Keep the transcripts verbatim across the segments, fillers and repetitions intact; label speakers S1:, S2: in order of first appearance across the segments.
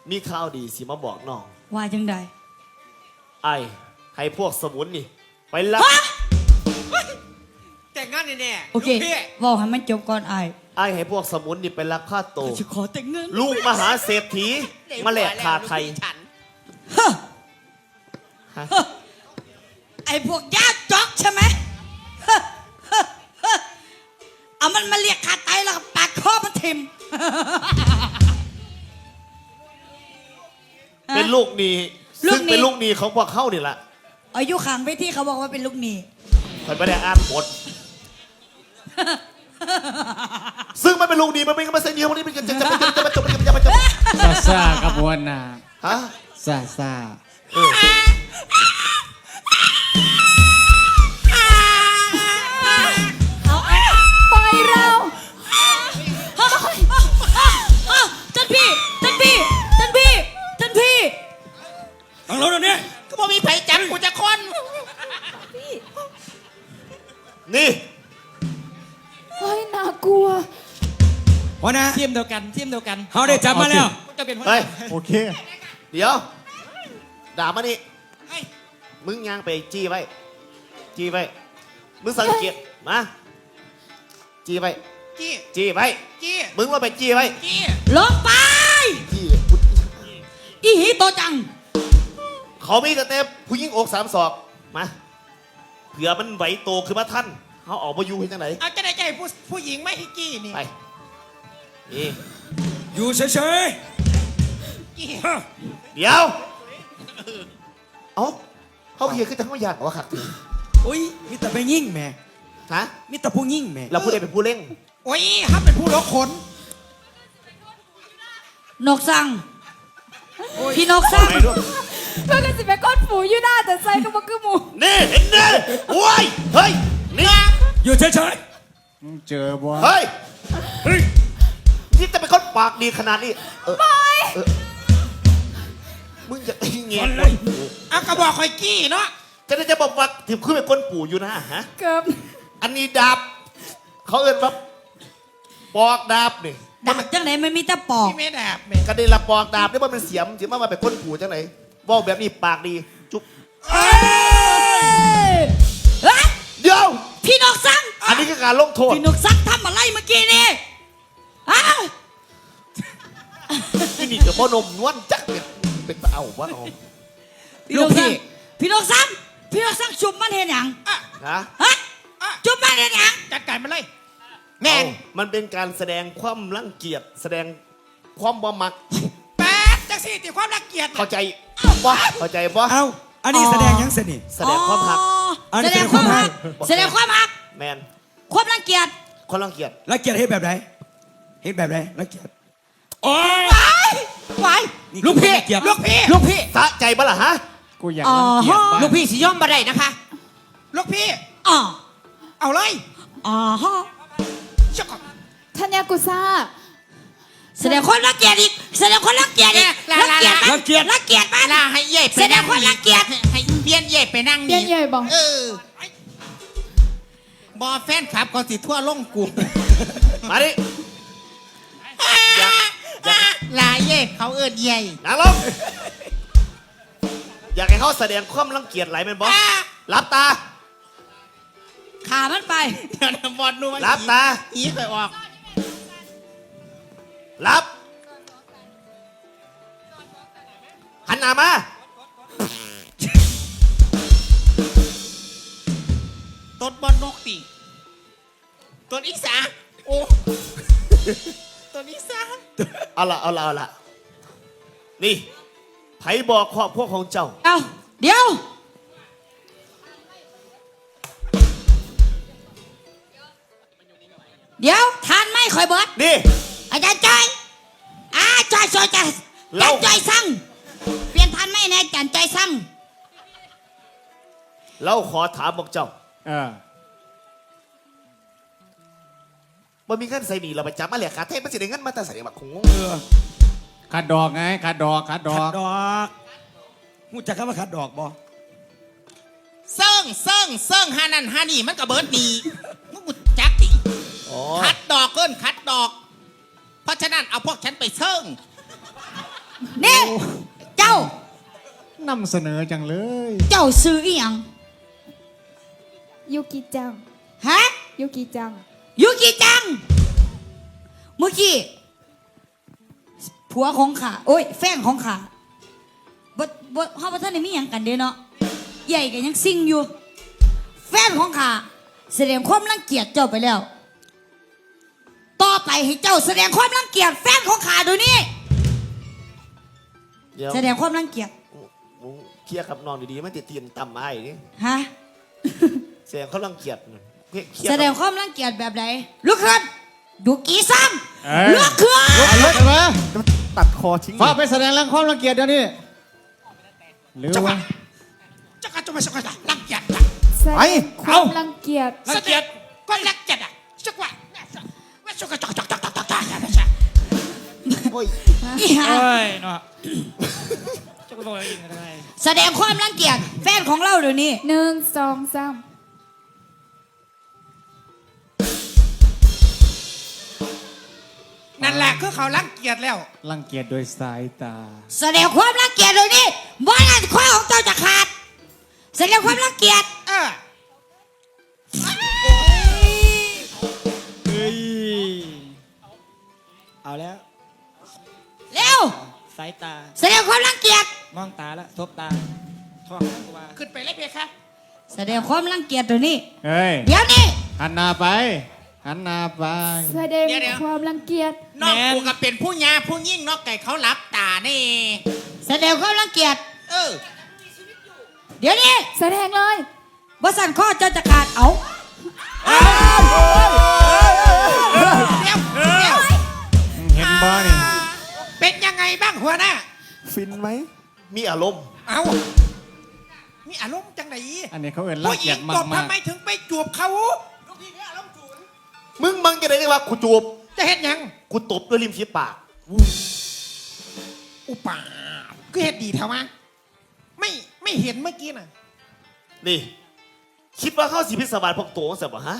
S1: มีข่าวดีสิมาบอกน้อง
S2: ว่าจังใด
S1: ไอ้ให้พวกสมุนนี่ไปรับ
S3: แต่งงานแน่ๆ
S2: โอเคบอกให้มันจบก่อนไอ้
S1: ไอ้ให้พวกสมุนนี่ไปรับค่าโต
S2: จะขอแต่งงาน
S1: ลูกมหาเศรษฐีมาแลกขาไทย
S2: ไอ้พวกญาติจ๊อกใช่ไหมเอามันมาเรียกขาไตแล้วก็ปาดคอมันทิ่ม
S1: เป็นลูกหนี้ซึ่งเป็นลูกหนี้ของพวกเขานี่แหละ
S2: อายุขังไปที่เขาบอกว่าเป็นลูกหนี้
S1: คอยไม่ได้อ่านบทซึ่งมันเป็นลูกหนี้มันเป็นมาเซ็นเดียววันนี้มันจะจะจะจะจะจะจะจะ
S4: ซาซากระบวนน่ะ
S1: ฮะ
S4: ซาซา
S2: ปล่อยเราท่านพี่ท่านพี่ท่านพี่ท่านพี่
S3: ต้องรู้ตรงนี้ก็บ่มีไผจับกูจะคน
S1: นี่
S2: เฮ้ยน่ากลัว
S3: วะนะ
S4: ทีมเดียวกันทีมเดียวกัน
S3: เขาได้จับมาแล้ว
S1: เฮ้ยโอเคเดี๋ยวด่ามานี่มึงยางไปจี้ไว้จี้ไว้มึงสังเกตมาจี้ไว้
S3: จี้
S1: จี้ไว้
S3: จี้
S1: มึงว่าไปจี้ไว้
S3: จี้
S2: ลงไป
S1: จี้
S2: อีหีโตจัง
S1: เขามีแต่เต็มผู้หญิงอกสามศอกมาเผื่อมันไหวโตขึ้นมาท่านเขาออกมาอยู่ที่ไหน
S3: เอาจะได้ใจผู้ผู้หญิงไม่ให้จี้นี่
S1: ไปนี่
S3: อยู่เฉยๆ
S1: เดี๋ยวเอ้าเขาเพียขึ้นแต่เขาอยากว่าขัดถึง
S3: อุ้ยมีแต่ไปยิ่งแม่
S1: ฮะ
S3: มีแต่ผู้ยิ่งแม่
S1: เราผู้ใดเป็นผู้เล่ง
S3: โอ้ยฮับเป็นผู้ล็อกขน
S2: นกสั่งพี่นกสั่ง
S5: เพื่อนกันสิไปก้อนฝูอยู่หน้าแต่ใจก็บอกคือหมู
S1: นี่เห็นเนี่ยโอ้ยเฮ้ยนี่
S3: อยู่เฉย
S4: ๆมึงเจอบ่
S1: เฮ้ยเฮ้ยนี่จะเป็นคนปากดีขนาดนี้เออมึงจะตีเงี้ยเลย
S3: อ่ะกระบอกคอยกี้เนาะ
S1: จะได้จะบอกว่าถึงขึ้นเป็นคนปู่อยู่นะฮะ
S5: เกือบ
S1: อันนี้ดาบเขาเอิ้นว่าปอกดาบนี่
S2: ดาบจังไหนไม่มีแต่ปอก
S3: ไม่ดาบ
S1: กระเด็นละปอกดาบนี่ว่ามันเสียมถือว่ามาเป็นคนปู่จังไหนบอกแบบนี้ปากดีจุ๊บเดี๋ยว
S2: พี่นกซัง
S1: อันนี้คือการลงโทษ
S2: พี่นกซังทำอะไรเมื่อกี้นี่ฮะ
S1: ที่นี่กับพ่อนมนวลจักเป็นเป็นเอาวะเอา
S2: ลูกพี่พี่นกซังพี่นกซังจุบมันเห็นอย่าง
S1: นะ
S2: ฮะจุบมันเห็นอย่าง
S3: จัดการมันเลย
S1: แม่มันเป็นการแสดงความรังเกียจแสดงความบ่มัก
S3: แปดจังสี่ติความรังเกียจ
S1: เข้าใจบ่เข้าใจบ่
S3: เอาอันนี้แสดงยังสนิท
S1: แสดงความหัก
S2: แสดงความหักแสดงความหัก
S1: แมน
S2: ความรังเกียจ
S1: ความรังเกียจ
S3: รังเกียจเห็นแบบไหนเห็นแบบไหนรังเกียจโอ้ย
S2: ไป
S3: ลูกพี่ลูกพี่ลูกพี่
S1: สะใจบ่ล่ะฮะ
S4: กูอยากรังเกียจ
S3: ลูกพี่สิย่อมมาได้นะคะลูกพี่
S2: อ๋อ
S3: เอาเลย
S2: อ๋อฮะ
S5: ธัญญากุซ่า
S2: แสดงคนรังเกียจอีกแสดงคนรังเกียจอีกรังเกียจรังเกียจรังเกียจมา
S3: ลาให้เย่ไป
S2: แสดงคนรังเกียจ
S3: ให้เบี้ยนเย่ไปนั่ง
S5: เบี้ยนเย่บอก
S3: เออบอแฟนขับก็สิทั่วล่งกู
S1: มาดิ
S3: ลาเย่เขาเอิญเย่
S1: นั่งลงอยากให้เขาแสดงความรังเกียจไหลเป็นบอสรับตา
S2: ขามันไป
S3: เดี๋ยวนะบอลนู่น
S1: รับตา
S3: อีเคยออก
S1: รับหันหน้ามา
S3: ต้นบอลนกตีต้นอีสาโอ้ต้นอีสา
S1: เอาละเอาละเอาละนี่ไผบอกครอบครัวของเจ้า
S2: เอาเดี๋ยวเดี๋ยวทานไม่ค่อยเบิด
S1: นี่
S2: อาจารย์จ้อยอาจารย์จ้อยจ้อยจันจ้อยสั่งเปลี่ยนทานไม่แน่จันจ้อยสั่ง
S1: เราขอถามบอกเจ้า
S4: เออ
S1: มันมีเงินใส่หนีเราไปจับมาเหลียขาเทพมันสิได้เงินมาแต่ใส่บักคงง
S4: ขาดดอกไงขาดดอกขาดดอก
S3: ขาดดอกมูจักคำว่าขาดดอกบ่เซิ่งเซิ่งเซิ่งฮานันฮานี่มันก็เบิร์ดดีมูจักดิคัดดอกเกินคัดดอกเพราะฉะนั้นเอาพวกฉันไปเซิ่ง
S2: นี่เจ้าน
S4: ำเสนอจังเลย
S2: เจ้าซื้ออีหยัง
S5: ยูกิจัง
S2: ฮะ
S5: ยูกิจัง
S2: ยูกิจังเมื่อกี้ผัวของข้าโอ้ยแฟนของข้าบ่บ่เฮาบ่ทันได้มีหยังกันเด้เนาะใหญ่ก็ยังซิ่งอยู่ แฟนของข้าแสดงความรังเกียจเจ้าไปแล้ว ต่อไปให้เจ้าแสดงความรังเกียจแฟนของข้าเดี๋ยวนี้
S1: เดี๋ยว
S2: แสดงความรังเกียจ
S1: มึงเคลียร์กับน้องดีๆมันติดเตียนต่ำไอ้นี่
S2: ฮะ
S1: แสดงเขารังเกียจน่ะเคลียร์
S2: แสดงความรังเกียจแบบไหนลุกขึ้นดูกี่ซ้
S4: เอ้ย
S2: ำลุกขึ้น
S4: เอาลุกขึ้นมา
S1: ตัดคอทิ้ง
S4: ฟ้าไปแสดงแรงความรังเกียจเดี๋ยวนี้หรือว่า
S3: จะกระจุกสักกระลังเกียจ
S5: แสดงความรังเกียจ
S3: รังเกียจก็รังเกียจอ่ะสักว่าว่าสักกระจกจกจกจกจกจก
S1: โอ้ย
S2: อีห่า
S6: เอ้ยเนาะจะไปบอกอะไรอีกอะไร
S2: แสดงความรังเกียจแฟนของเราเดี๋ยวนี้
S5: หนึ่งสองสาม
S3: นั่นแหละคือเขารังเกียจแล้ว
S4: รังเกียจโดยสายตา
S2: แสดงความรังเกียจเดี๋ยวนี้ว่านั่นข้อของเจ้าจะขาด แสดงความรังเกียจ
S3: เออ
S6: เฮ้ย เอาแล้ว
S2: เร็ว
S6: สายตา
S2: แสดงความรังเกียจ
S6: มองตาแล้วทบตาท้องกูว่า
S3: ขึ้นไปเลยเพคะ
S2: แสดงความรังเกียจเดี๋ยวนี้
S4: เฮ้ย
S2: เดี๋ยวนี้
S4: หันหน้าไป หันหน้าไป
S5: แสดงความรังเกียจ
S3: นอกกูก็เป็นผู้ยาผู้ยิ่งนอกไก่เขาหลับตานี่
S2: แสดงความรังเกียจ
S3: เออ
S2: เดี๋ยวนี้
S5: แสดงเลย
S2: บสันข้อเจ้าจะขาดเอา
S3: เดี๋ยวเดี๋ยว
S4: เห็นบ่นี่
S3: เป็นยังไงบ้างหัวหน้า
S1: ฟินไหมมีอารมณ์
S3: เอามีอารมณ์จังไหน
S4: อันนี้เขาเอินรัง
S3: ผู้ห
S4: เกี
S3: ญิ
S4: ย
S3: ง
S4: จมา
S3: ต
S4: ก
S3: บ
S4: มา
S3: ทำ
S4: ก
S3: ไมถึงไปจูบเขา
S1: มึงมึงจะได้ไงวะกูจูบ
S3: จะเห็นยัง
S1: กูตบด้วยริมฝีปาก
S3: อุปาก็เห็นดีเท่ามาไม่ไม่เห็นเมื่อกี้น่ะ
S1: นี่ คิดว่าเข้าสีพิศวาสพวกตัวเสียบ่ฮะ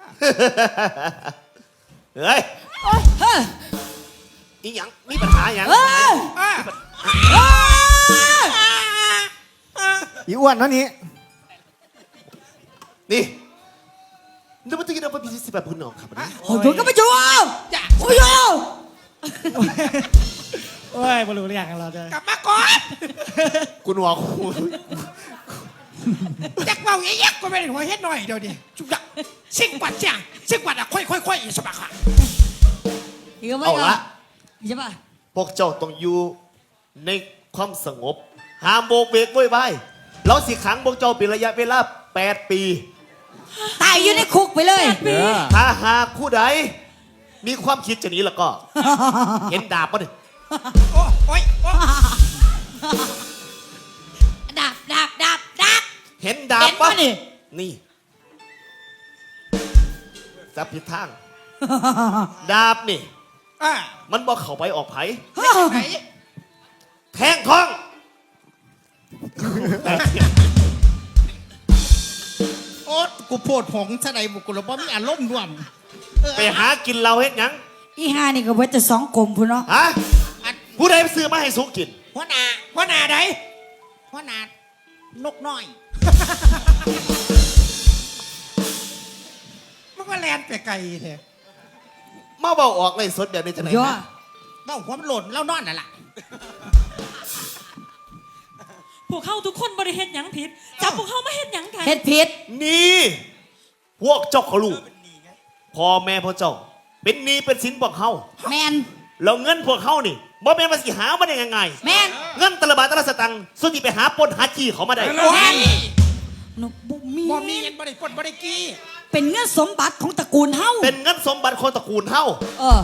S1: เฮ้ย
S2: เฮ้ย
S1: อีหยังมีปัญหาหยัง
S2: เฮ้ย
S3: อ่ะ
S2: เฮ้ย
S1: อีอ้วนนั่นนี่นี่นึกว่าจะกินเอาไปพิชิตแบบพื้นนองครับวันนี้
S2: โอ้ยก็มาจู
S3: อย่า
S2: โอ้ย
S6: โอ้ยบรู้เรื่องกันเราจะ
S3: กลับมาก่อน
S1: กูหนวกกู
S3: จักเบาแยกๆก็ไม่ได้หัวเฮ็ดหน่อยเดี๋ยวดิจุกจักซิ่งกวัดจ้าซิ่งกวัดอ่ะค่อยๆค่อยๆสบายค่ะ
S2: เดี๋ยวไม่
S1: เอาละ
S2: ใช่ปะ
S1: พวกเจ้าต้องอยู่ในความสงบห้ามโบกเวกโวยวายเราสิขังพวกเจ้าเป็นระยะเวลาแปดปี
S2: ตายอยู่ในคุกไปเลย
S4: เออ
S1: ถ้าหากผู้ใดมีความคิดจะหนีแล้วก็ เห็นดาบปะเนี่ย
S3: โอ้โอ้ยโอ้
S2: ดาบดาบดาบดาบ
S1: เห็นดาบ
S2: เห็น
S1: ปะ
S2: ปะนี่
S1: นี่จับผิดทาง ดาบนี่
S3: อ่ะ
S1: มันบอกเข้าไปออกไผ
S3: ไหน
S1: แทงท้อง
S3: โอ๊ตกูโพดหงส์ซะไหนบุกกูเลยบ่มีอารมณ์ร่วมเออ
S1: ไปหากินเราเฮ็ดหยัง
S2: อีห้านี่ก็เบิดจะสองกลมพุ่นเนาะ
S1: ฮะ
S3: อัน
S1: ผู้ใดซื้อมาให้สุกิน
S3: หัวหน้าหัวหน้าใดหัวหน้านกน้อย มันก็แลนไปไกลเถอะ
S1: มาเบาออกเลยสดแบบนี้จะไหน
S2: ย่อ
S1: นะ
S3: เบ้าหัวมันหล่นแล้วนอนน่ะล่ะ
S7: พวกเขาทุกคนบริเฮ็ดหยังผิดจับพวกเขามาเฮ็ดหยังกัน
S2: เฮ็ดผิด
S1: นี่ พวกเจ้าเขาลูกพ่อแม่พ่อเจ้า เป็นหนี้เป็นสินพวกเขา
S2: แมน
S1: แล้วเงินพวกเขานี่บ่แม่นมาสิหามาได้ยังไง
S2: แมน
S1: เงินแตละบาทแตละสตังค์ส่วนที่ไปหาปล้นหาจี้เขามาได้
S3: โอ้ย
S2: หนุบุมี
S3: บ่มีเงินบ่ได้ปล้นบ่ได้กี้
S2: เป็นเงื่อนสมบัติของตระกูลเฮา
S1: เป็นเงินสมบัติคนตระกูลเฮา
S2: เออ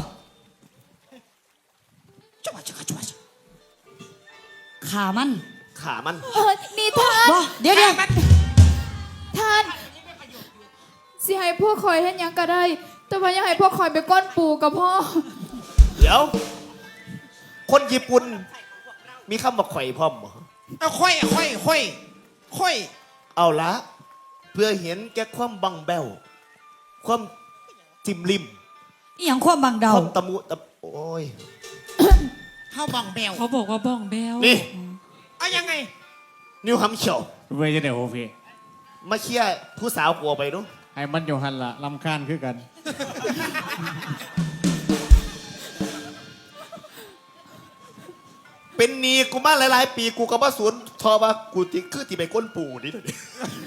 S3: จังหวะจังหวะจังหวะ
S2: ขามัน
S1: ขามัน
S5: เออนี่ท่าน
S2: บ่เดี๋ยวเดี๋ยว
S3: มัน
S5: ท่านสิให้พวกคอยเห็นยังก็ได้ แต่ว่าอยังให้พวกคอยไปก้อนปูกับพ่อ
S1: เดี๋ยว คนญี่ปุ่นมีคำว่าข่อยพร้อมบ่
S3: เอาค่อยค่อยค่อยค่อย
S1: เอาละ เพื่อเห็นแก่ความบังแบวความจิมลิม
S2: อีหยังความบางเดา
S1: ความตะมุตะโอ้ย
S3: เข้าบ้องแบว
S7: เขาบอกว่าบ้องแบว
S1: นี่
S3: เอายังไง
S1: นิวฮัมเชียว
S4: เว้ยจะเดี๋ยวโอเค
S1: มาเคลียร์ผู้สาวกลัวไปดู
S4: ให้มันอยู่หันละลำคาญคือกัน
S1: เป็นหนีกูมาหลายๆปีกูก็มาสวนทอว่ากูติคือที่ไปก้นปู่นี่เดี๋ยวนี้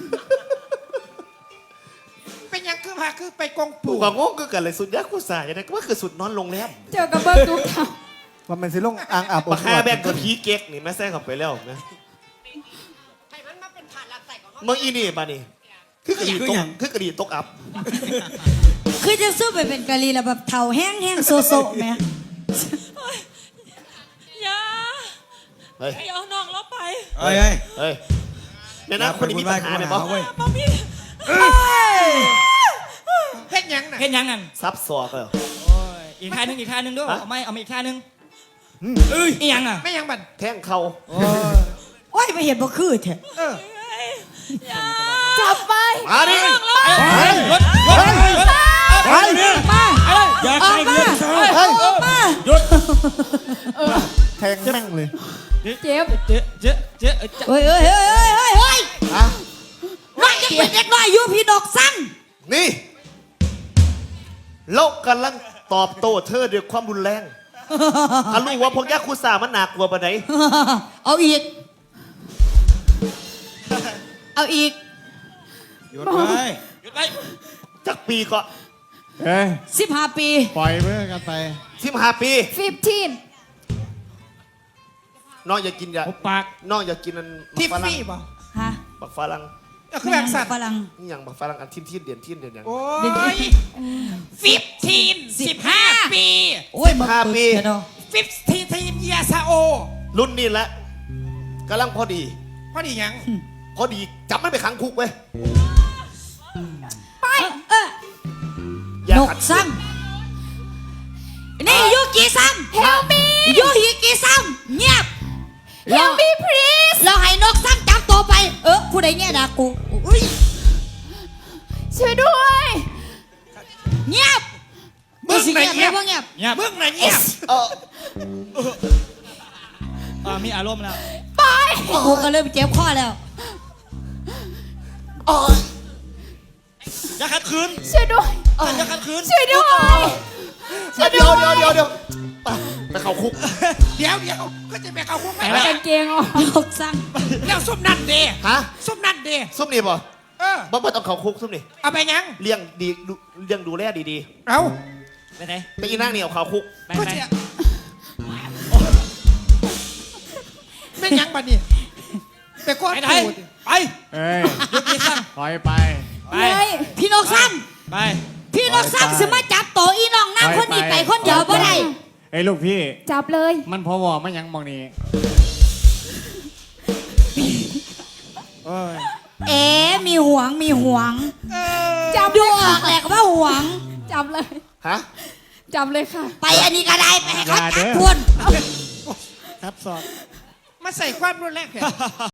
S3: เป็นหยังคือพาคือไปกอง
S1: ปู่
S3: ปู่
S1: ก็งงคือกันเลยสุดยักษ์กูสายยังไงก็ว่าคือสุดนอนโรงแรม
S5: เจอกับเบิร์ทุกครั้ง
S4: ว่ามันสิลงอ่างอาบ
S1: บักฮาแบกกับผีเก๊กนี่แม่แซงเข้าไปแล้วนะเมื่ออีนี่มานี่คือกระดิ่ตกคือกระดิ่ตกอับ
S2: คือจะสู้ไปเป็นกะลีแล้วแบบเท่าแห้งแห้งโซโซแหม่
S7: อย่า
S1: เฮ้ย
S7: ไอ้เอาน้องเราไป
S3: เฮ้ยเฮ้ย
S1: เฮ้ยเนี่ยนะคนนี้มีปัญหาเนี่ยบอ
S7: มาพี่
S3: เฮ็ดหยังน่ะ
S6: เห็นยังนั่น
S1: ซับซ้อนเลย
S6: โอ้ยอีกท่าหนึงอีกท่าหนึงด้วย
S1: ฮะ
S6: เอาไม่เอามาอีกท่าหนึงเอ้ยอีหยังอ่ะ
S3: ไม่หยังบัน
S1: แท่งเขา
S2: โอ้ยไม่เห็นบ่คือแท้
S3: เออ
S7: อย่า
S5: จับไป
S1: มาดิ
S6: รถรถรถ
S4: ไป
S2: มา
S6: อยาก
S2: ออก
S6: ให้
S2: มา
S6: เงินซะ
S2: ออกมา
S4: แทงแม่งเลย
S5: เจ็บ
S6: เจ๊เจ๊เจ๊เจ๊
S2: เฮ้ยเฮ้ยเฮ้ยเฮ้ยเฮ้ยเฮ้ย
S1: อะ
S2: น้อยจะเป็นเด็กน้อยอยู่พี่ดอกสั้น
S1: นี่โลกกำลังตอบโต้เธอด้วยความรุนแรงถ้ารู้ว่าพวกยักษ์คุซ่ามันหนักกว่าปานไหน
S2: เอาอีก เอาอีก
S3: หยุดไป
S6: หยุดไป
S1: จากปีก็
S4: เอ้ย
S2: สิบห้าปี
S4: ปล่อยเพื่อกันไป
S1: สิบห้าปี
S5: ฟิฟทีน
S1: น้องอย่ากินยา
S6: หุบปาก
S1: น้องอย่ากินอัน
S3: ทิฟ
S1: บักฝรั่ง
S3: ฟี่ป่ะ
S2: ฮะ
S1: บักฝรั่ง
S3: เอาคือแบบสัตว์
S2: ฝรั่ง
S1: นี่อย่างบักฝรั่งอันทิ้นทิ้นเดียนทิ้นเดียนอย่าง
S3: โอ้ย
S6: ฟิฟทีนสิบห้าปี
S2: โอ้ย
S1: ห้าปี
S2: เดี๋ยวเนาะ
S6: ฟิฟทีทีนยาซาโอ
S1: รุ่นนี้แหละกำลังพอดี
S3: พอดีหยัง
S1: พอดีจับมันไปขังคุกเว้ย
S2: ไปเออ
S1: อย่าน
S2: ก
S1: ขัด
S2: ซ้ำนี่ยูกิซ้ำเฮลมียูฮิกิซ้ำเงียบ
S5: เฮลมีพลีส
S2: เราให้นกซ้ำจับตัวไป เออผู้ใดเนี่ยด่ากูอุ้ย
S5: ช่วยด้วย
S2: เงียบ
S3: มึงไหนเงียบ
S2: ว่าเงียบ
S6: เงียบ
S3: มึงไหนเงียบ
S1: เออ
S6: อ่ามีอารมณ์แล้ว
S5: ไป
S2: กูก็เริ่มเจ็บคอแล้ว
S1: เออ
S6: อย่าขัดขืน
S5: ช่วยด้วย
S6: อย่าขัดขืน
S5: ช่วยด้วย
S1: เดี๋ยวเดี๋ยวเดี๋ยวเดี๋ยวไปไปเข้าคุก
S3: เดี๋ยวเดี๋ยวก็จะไปเข้าคุกไหม
S6: ไปแล้ว
S5: กางเกงออก
S2: นกซ้ำ
S3: แล้วซุปนั่นเด
S1: ฮะ
S3: ซุปนั่นเด
S1: ซุปนี่ป่ะ
S3: เออ
S1: บ่บ่ต้องเข้าคุกซุปนี่
S3: เอาไปหยัง
S1: เลี้ยงดีดูเลี้ยงดูแลดี
S3: เอา
S6: ไปไหน
S1: ๆไปอีนั่งนี่เอาเข้าคุก
S6: ไป
S3: ก็
S6: ไหน
S3: จะเป็นหยังบัดนี้ไปก้อน
S6: ไปไหน
S3: ปูด
S6: ไป
S4: เอ้ย
S6: หยุดนี่ซ้
S4: ปล่อยไป
S6: ำไป
S5: เลย
S2: พี่นกซ้
S6: ไป
S2: ำพี่นกซ้ำสิมาจับตัวอีน้องน้ำคนนี้ไปคนเดียวบ่ได้
S4: ไอ้ยลูกพี่
S5: จับเลย
S4: มันพอวอมันยังมองนี้เอ้ย
S2: เอ๋มีหวงมีหวง
S5: จับ
S2: ดูออกแหละว่าหวง
S5: จับเลย
S1: ฮะ
S5: จับเลยค่ะ
S2: ไปอันนี้ก็ได้ไปให้เขา
S4: อย่าเด้
S2: จับ
S4: อ
S2: ทวน
S4: ครับสอบ
S3: มาใส่ความรุนแรงแค่